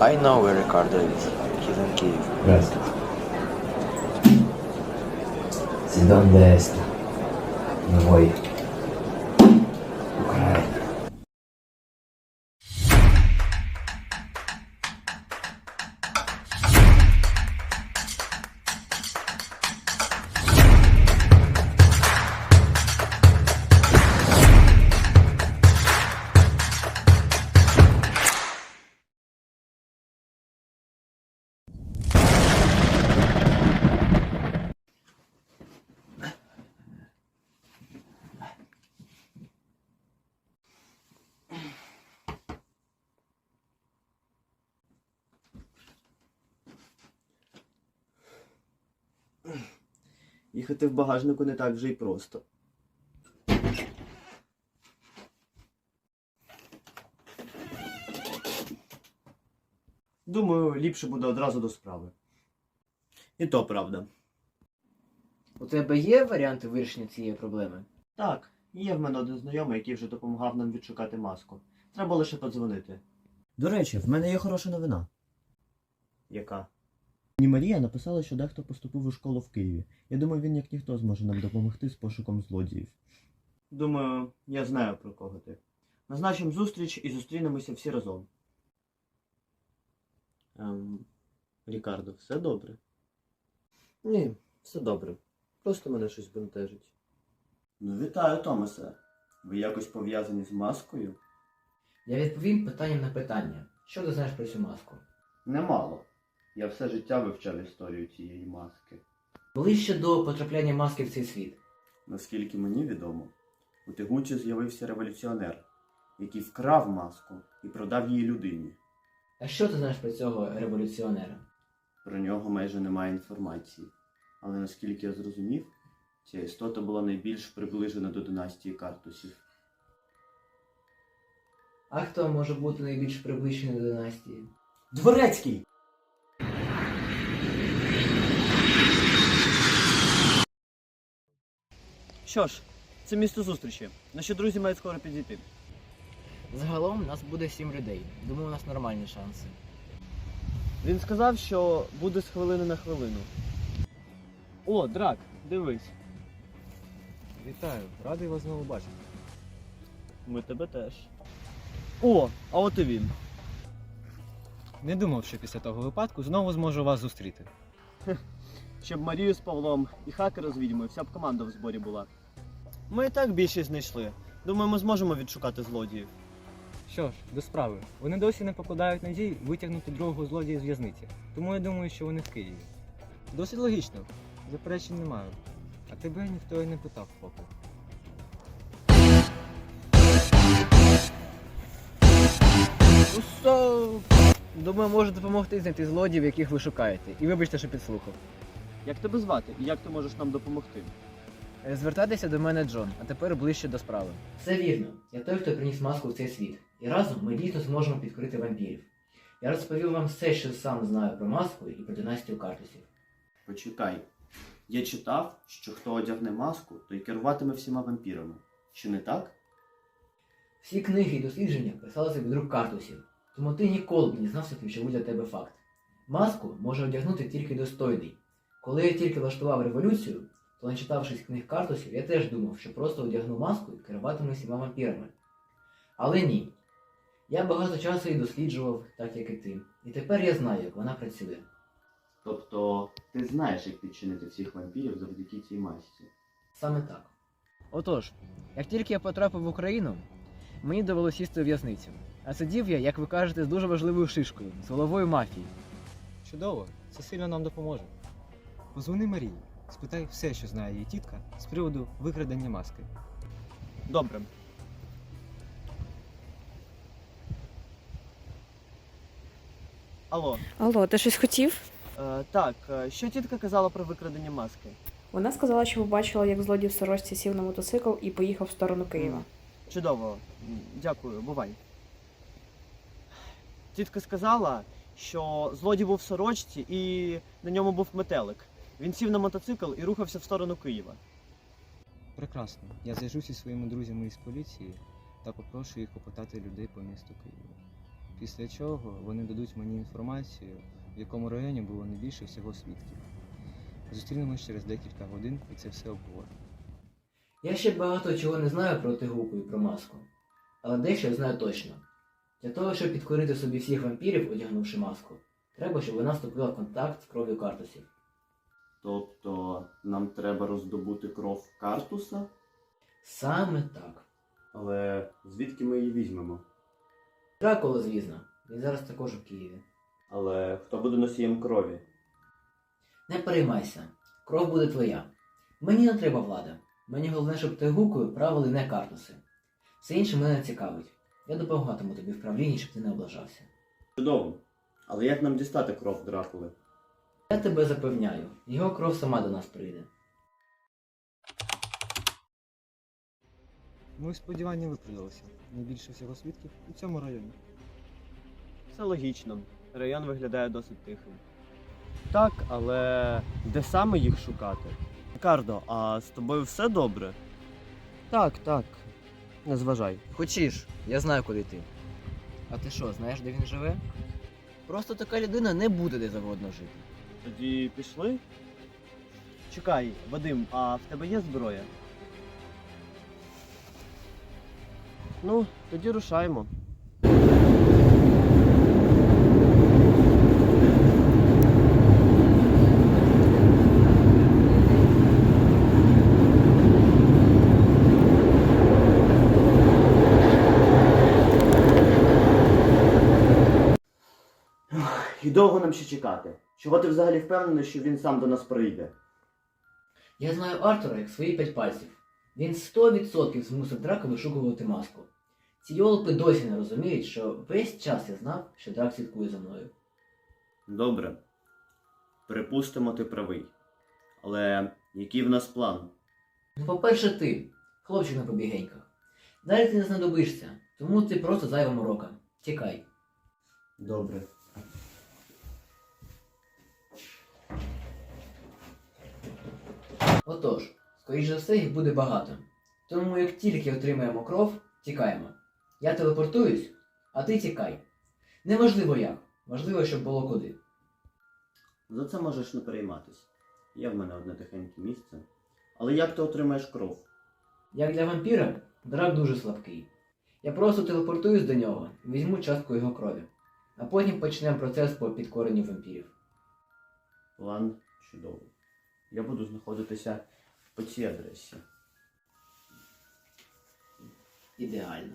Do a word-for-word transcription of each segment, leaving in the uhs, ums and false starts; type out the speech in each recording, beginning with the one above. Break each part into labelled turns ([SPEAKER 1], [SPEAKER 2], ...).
[SPEAKER 1] I know where Ricardo is. He's in Kiev.
[SPEAKER 2] Grazie. Sei donde sta? Non vuoi? Ucraina.
[SPEAKER 3] Їхати в багажнику не так вже й просто. Думаю, ліпше буде одразу до справи. І то правда.
[SPEAKER 4] У тебе є варіанти вирішення цієї проблеми?
[SPEAKER 3] Так, є в мене один знайомий, який вже допомагав нам відшукати маску. Треба лише подзвонити. До речі, в мене є хороша новина. Яка? Мені Марія написала, що дехто поступив у школу в Києві. Я думаю, він як ніхто зможе нам допомогти з пошуком злодіїв. Думаю, я знаю, про кого ти. Назначимо зустріч і зустрінемося всі разом. Ем, Рікардо, все добре? Ні, все добре. Просто мене щось бентежить. Ну, вітаю, Томасе. Ви якось пов'язані з маскою?
[SPEAKER 4] Я відповім питанням на питання. Що ти знаєш про цю маску?
[SPEAKER 3] Немало. Я все життя вивчав історію цієї маски.
[SPEAKER 4] Ближче до потрапляння маски в цей світ.
[SPEAKER 3] Наскільки мені відомо, у Тегучі з'явився революціонер, який вкрав маску і продав її людині.
[SPEAKER 4] А що ти знаєш про цього революціонера?
[SPEAKER 3] Про нього майже немає інформації. Але наскільки я зрозумів, ця істота була найбільш приближена до династії Картусів.
[SPEAKER 4] А хто може бути найбільш приближений до династії?
[SPEAKER 3] Дворецький! Що ж, це місце зустрічі. Наші друзі мають скоро підійти.
[SPEAKER 4] Загалом нас буде сім людей. Думаю, у нас нормальні шанси.
[SPEAKER 3] Він сказав, що буде з хвилини на хвилину. О, Драк, дивись.
[SPEAKER 5] Вітаю, радий вас знову бачити.
[SPEAKER 3] Ми тебе теж. О, а от і він.
[SPEAKER 5] Не думав, що після того випадку знову зможу вас зустріти.
[SPEAKER 3] Щоб Марію з Павлом і хакера з відьмою, вся б команда в зборі була. Ми і так більшість знайшли. Думаю, ми зможемо відшукати злодіїв.
[SPEAKER 5] Що ж, до справи. Вони досі не покладають надій витягнути другого злодія з в'язниці. Тому я думаю, що вони в Києві. Досить логічно. Заперечень не маю. А тебе ніхто і не питав, поки.
[SPEAKER 4] Усо! Думаю, може допомогти знайти злодіїв, яких ви шукаєте. І вибачте, що підслухав.
[SPEAKER 3] Як тебе звати і як ти можеш нам допомогти?
[SPEAKER 4] Звертайтеся до мене, Джон, а тепер ближче до справи. Все вірно. Я той, хто приніс маску в цей світ. І разом ми дійсно зможемо підкорити вампірів. Я розповів вам все, що сам знаю про маску і про династію Картусів.
[SPEAKER 3] Почекай. Я читав, що хто одягне маску, той керуватиме всіма вампірами. Чи не так?
[SPEAKER 4] Всі книги і дослідження писалися від рук Картусів, тому ти ніколи б не знав ключовий для тебе факт. Маску може одягнути тільки достойний. Коли я тільки влаштував революцію, то, начитавшись книг Картусів, я теж думав, що просто одягну маску і керуватиму всіма вампірами. Але ні. Я багато часу її досліджував, так як і ти. І тепер я знаю, як вона працює.
[SPEAKER 3] Тобто, ти знаєш, як підчинити всіх вампірів завдяки цій масці.
[SPEAKER 4] Саме так. Отож, як тільки я потрапив в Україну, мені довелося сісти у в'язницю. А сидів я, як ви кажете, з дуже важливою шишкою, з головою мафії.
[SPEAKER 5] Чудово, це сильно нам допоможе. Позвони Марії, спитай все, що знає її тітка з приводу викрадення маски.
[SPEAKER 3] Добре. Алло.
[SPEAKER 6] Алло, ти щось хотів?
[SPEAKER 3] Е, так, е, що тітка казала про викрадення маски?
[SPEAKER 6] Вона сказала, що побачила, як злодій в сорочці сів на мотоцикл і поїхав в сторону Києва.
[SPEAKER 3] Чудово. М, Дякую, бувай. Тітка сказала, що злодій був в сорочці і на ньому був метелик. Він сів на мотоцикл і рухався в сторону Києва.
[SPEAKER 5] Прекрасно. Я зв'яжуся зі своїми друзями із поліції та попрошу їх попитати людей по місту Києва. Після чого вони дадуть мені інформацію, в якому районі було найбільше всього свідків. Зустрінемось через декілька годин і це все обговоримо.
[SPEAKER 4] Я ще багато чого не знаю про Тигуку і про маску, але дещо я знаю точно. Для того, щоб підкорити собі всіх вампірів, одягнувши маску, треба, щоб вона вступила в контакт з кров'ю Картусів.
[SPEAKER 3] Тобто нам треба роздобути кров Картуса?
[SPEAKER 4] Саме так.
[SPEAKER 3] Але звідки ми її візьмемо?
[SPEAKER 4] Дракула, звісно, він зараз також у Києві.
[SPEAKER 3] Але хто буде носієм крові?
[SPEAKER 4] Не переймайся, кров буде твоя. Мені не треба влада. Мені головне, щоб Тигукою правили не Картуси. Все інше мене не цікавить. Я допомагатиму тобі в правлінні, щоб ти не облажався.
[SPEAKER 3] Чудово. Але як нам дістати кров Дракули?
[SPEAKER 4] Я тебе запевняю, його кров сама до нас прийде.
[SPEAKER 5] Мої сподівання виправдалися. Найбільше всього свідків у цьому районі.
[SPEAKER 3] Все логічно. Район виглядає досить тихим. Так, але де саме їх шукати? Рікардо, а з тобою все добре? Так, так. Не зважай.
[SPEAKER 4] Хочеш, я знаю, куди йти. А ти що, знаєш, де він живе? Просто така людина не буде де завгодно жити.
[SPEAKER 3] Тоді пішли? Чекай, Вадим, а в тебе є зброя? Ну, тоді рушаємо. І довго нам ще чекати? Чого ти взагалі впевнений, що він сам до нас прийде?
[SPEAKER 4] Я знаю Артура як свої п'ять пальців. Він сто відсотків змусив Драка вишукувати маску. Ці йолопи досі не розуміють, що весь час я знав, що Драк слідкує за мною.
[SPEAKER 3] Добре. Припустимо, ти правий. Але який в нас план?
[SPEAKER 4] Ну, по-перше, ти, хлопчик на побігеньках. Далі ти не знадобишся, тому ти просто зайва морока. Тікай.
[SPEAKER 3] Добре.
[SPEAKER 4] Отож, скоріш за все, їх буде багато. Тому як тільки отримаємо кров, тікаємо. Я телепортуюсь, а ти тікай. Неважливо як, важливо, щоб було куди.
[SPEAKER 3] За це можеш не перейматись. Є в мене одне тихеньке місце. Але як ти отримаєш кров?
[SPEAKER 4] Як для вампіра, Драк дуже слабкий. Я просто телепортуюсь до нього і візьму частку його крові. А потім почнемо процес по підкоренню вампірів.
[SPEAKER 3] План чудовий. Я буду знаходитися по цій адресі.
[SPEAKER 4] Ідеально.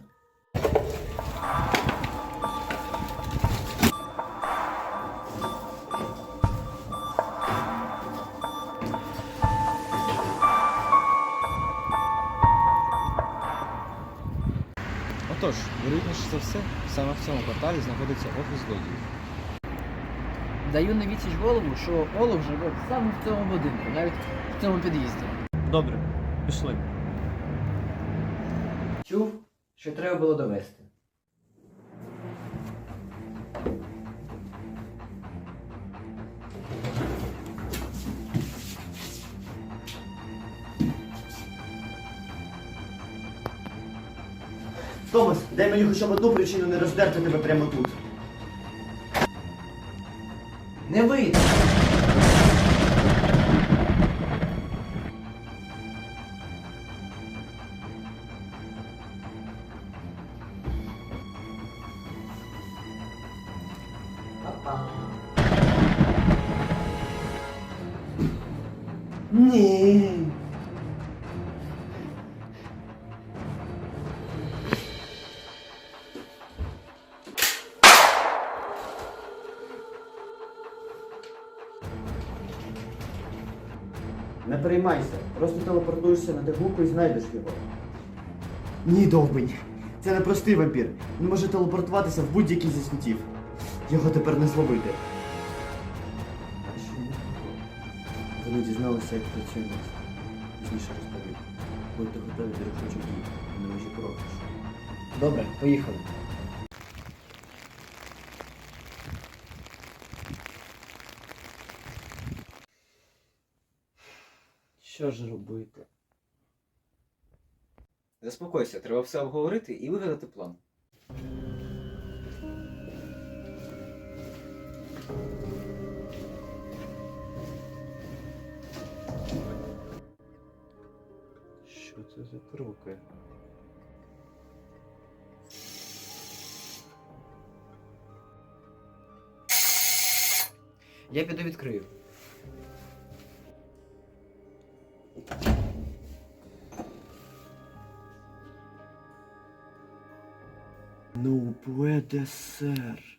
[SPEAKER 5] Отож, вірогідніше за все, саме в цьому кварталі знаходиться офіс злодіїв.
[SPEAKER 4] Даю на відсіч голову, що Олаф живе саме в цьому будинку, навіть в цьому під'їзді.
[SPEAKER 3] Добре, пішли.
[SPEAKER 4] Чув, що треба було довести.
[SPEAKER 3] Томас, дай мені хоча б одну причину не роздерти тебе прямо тут.
[SPEAKER 4] Не вийде! Па-па.
[SPEAKER 3] Ні. Не переймайся, просто телепортуєшся на Тигуку і знайдеш його. Ні, довбень. Це не простий вампір. Він може телепортуватися в будь-який зі світів. Його тепер не зловити. А що не Вони дізналися, як працює нас. Пізніше розповім. Будьте готові до рішучих дій. Не межі кроку.
[SPEAKER 4] Добре, поїхали.
[SPEAKER 3] Що ж робити?
[SPEAKER 5] Заспокойся, треба все обговорити і вигадати план. це за кроки?
[SPEAKER 4] Я піду відкрию.
[SPEAKER 3] Ну, puede ser.